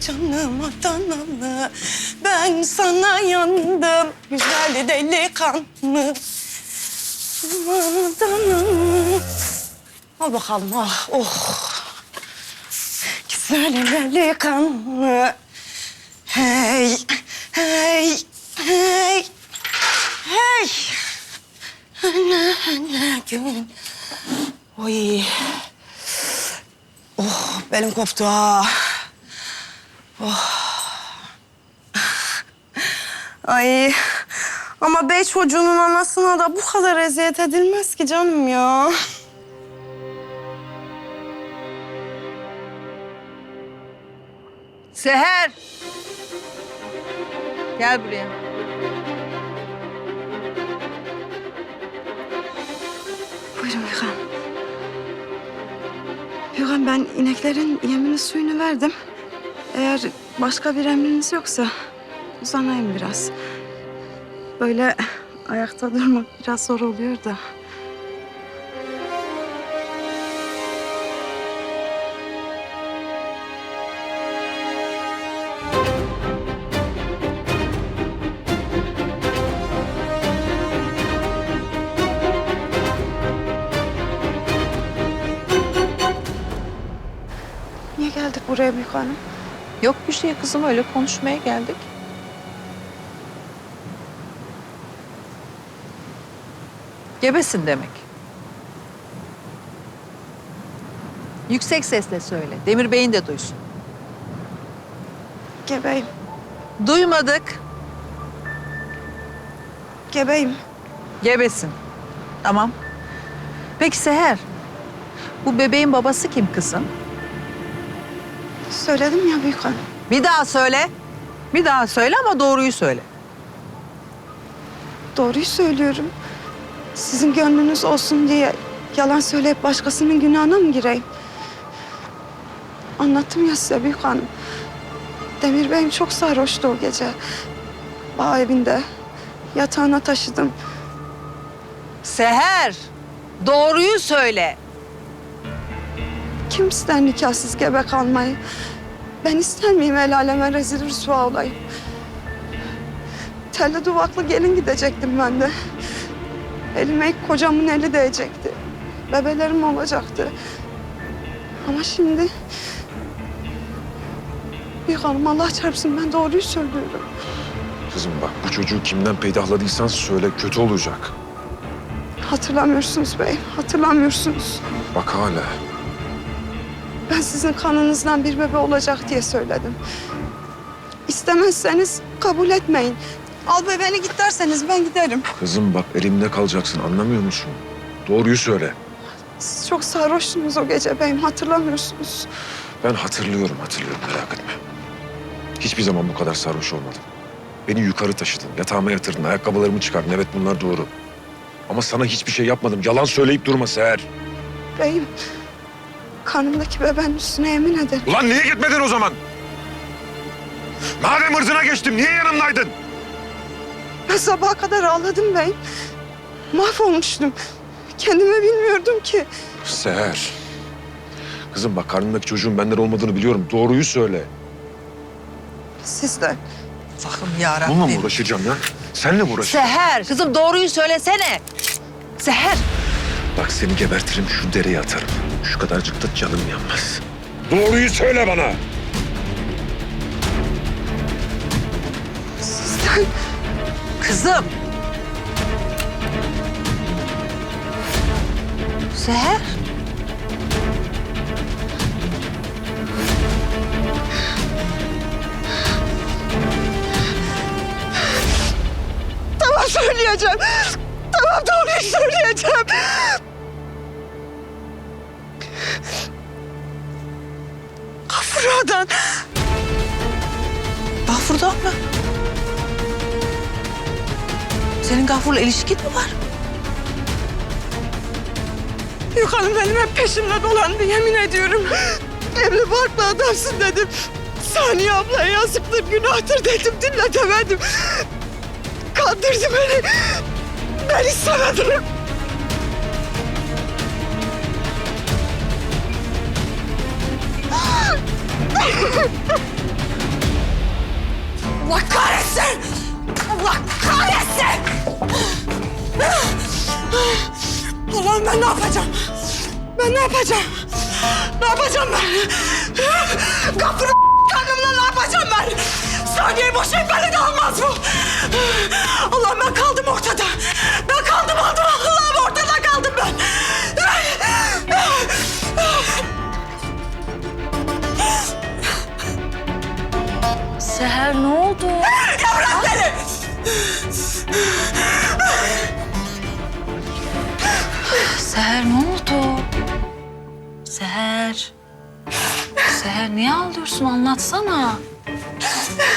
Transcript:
canıma danalı. Ben sana yandım güzel delikanlı. Canıma danalı. Al bakalım ah oh. Güzel delikanlı. Hey, hey, hey, hey. Ne gün. Oy. Oh, belim koptu ha. Oh. Ay. Ama bey çocuğunun anasına da bu kadar eziyet edilmez ki canım ya. Seher! Gel buraya. Buyurun Büyükhan. Büyükhan ben ineklerin yemini suyunu verdim. Eğer başka bir emriniz yoksa uzanayım biraz. Böyle ayakta durmak biraz zor oluyor da. Niye geldik buraya Büyük Hanım? Yok bir şey kızım, öyle konuşmaya geldik. Gebesin demek. Yüksek sesle söyle. Demir Bey'in de duysun. Gebeyim, Duymadık. gebeyim. Gebesin. Tamam. Peki Seher, bu bebeğin babası kim kızım? Söyledim ya Büyük Hanım. Bir daha söyle. Bir daha söyle ama doğruyu söyle. Doğruyu söylüyorum. Sizin gönlünüz olsun diye yalan söyleyip başkasının günahına mı gireyim? Anlattım ya size Büyük Hanım. Demir Bey'im çok sarhoştu o gece. Bağ evinde. Yatağına taşıdım. Seher, doğruyu söyle. Kim ister nikahsız gebe kalmayı? Ben ister miyim el aleme rezil rüsva olayım? Telli duvaklı gelin gidecektim ben de. Elime ilk kocamın eli değecekti. Bebelerim olacaktı. Ama şimdi... Büyük Hanım Allah çarpsın ben doğruyu söylüyorum. Kızım bak bu çocuğu kimden peydahladıysan söyle, kötü olacak. Hatırlamıyorsunuz beyim, hatırlamıyorsunuz. Bak hala. Ben sizin kanınızdan bir bebe olacak diye söyledim. İstemezseniz kabul etmeyin. Al bebeğini git derseniz ben giderim. Kızım bak elimde kalacaksın, anlamıyor musun? Doğruyu söyle. Siz çok sarhoştunuz o gece beyim, hatırlamıyorsunuz. Ben hatırlıyorum, merak etme. Hiçbir zaman bu kadar sarhoş olmadım. Beni yukarı taşıdın, yatağıma yatırdın, ayakkabılarımı çıkardın. Evet bunlar doğru. Ama sana hiçbir şey yapmadım. Yalan söyleyip durma Seher. Beyim, karnımdaki bebeğin üstüne yemin ederim. Ulan niye gitmedin o zaman? Madem ırzına geçtim, niye yanımdaydın? Ben sabaha kadar ağladım beyim. Mahvolmuştum. Kendimi bilmiyordum ki. Seher. Kızım bak karnındaki çocuğun benden olmadığını biliyorum. Doğruyu söyle. Sizden. Allah'ım yarabbim. Bununla mı uğraşacağım ya? Senle mi uğraşacağım? Seher, kızım doğruyu söylesene. Seher. Bak seni gebertirim, şu dereye atarım. Şu kadarcık da canım yanmaz. Doğruyu söyle bana. Sizden. Kızım. Seher. Tamam söyleyeceğim. Tamam doğruyu söyleyeceğim. Gafura'dan. Gafur'dan mı? Senin Gafur'la ilişkin mi var? Yok hanım benim hep peşimde dolandı yemin ediyorum. Evli barklı adamsın dedim. Saniye ablaya yazıktır günahtır dedim dinletemedim. Kandırdı beni. Ben istemedim. kahretsin! Allah kahretsin! Allah'ım ben ne yapacağım? Ben ne yapacağım? Ne yapacağım ben? Kapını karnımla ne yapacağım ben? Saniye boşayıp beni de almaz bu. Allah'ım ben kaldım ortada. Ben kaldım Allah'ım ortada kaldım ben. Seher ne oldu? Ya bırak beni! Seher ne oldu? Seher. Seher niye ağlıyorsun? Anlatsana.